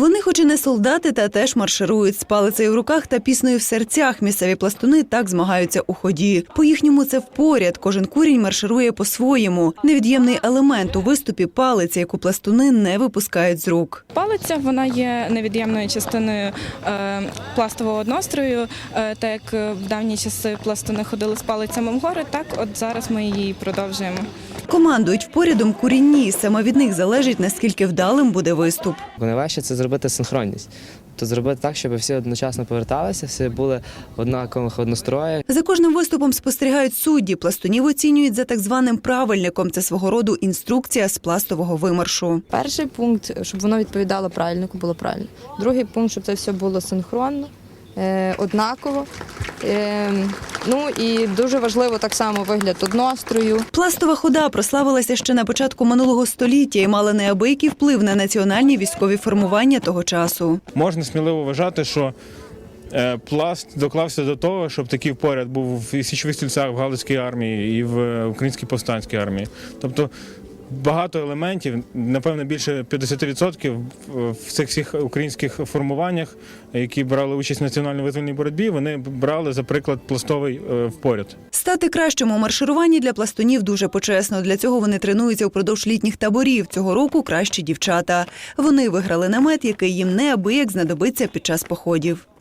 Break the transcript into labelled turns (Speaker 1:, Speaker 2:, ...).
Speaker 1: Вони хоч і не солдати, та теж марширують з палицею в руках та піснею в серцях. Місцеві пластуни так змагаються у ході. По-їхньому це впоряд. Кожен курінь марширує по-своєму. Невід'ємний елемент у виступі – палиця, яку пластуни не випускають з рук.
Speaker 2: Палиця, вона є невід'ємною частиною пластового однострою. Так як в давні часи пластуни ходили з палицями в гори, так от зараз ми її продовжуємо.
Speaker 1: Командують впорядом курінні. Саме від них залежить, наскільки вдалим буде виступ.
Speaker 3: Найважче – це зробити синхронність. Тобто зробити так, щоб всі одночасно поверталися, всі були в однакових одностроях.
Speaker 1: За кожним виступом спостерігають судді. Пластунів оцінюють за так званим правильником. Це свого роду інструкція з пластового вимаршу.
Speaker 4: Перший пункт, щоб воно відповідало правильнику, було правильно. Другий пункт, щоб це все було синхронно, однаково. Ну і дуже важливо так само вигляд однострою.
Speaker 1: Пластова хода прославилася ще на початку минулого століття і мала неабиякий вплив на національні військові формування того часу.
Speaker 5: Можна сміливо вважати, що пласт доклався до того, щоб такий поряд був в січових стрільцях, в Галицькій армії і в Українській повстанській армії. Тобто багато елементів, напевно, більше 50% в цих всіх українських формуваннях, які брали участь в національно-визвольній боротьбі, вони брали, за приклад, пластовий впоряд.
Speaker 1: Стати кращим у маршируванні для пластунів дуже почесно. Для цього вони тренуються впродовж літніх таборів. Цього року кращі дівчата. Вони виграли намет, який їм неабияк знадобиться під час походів.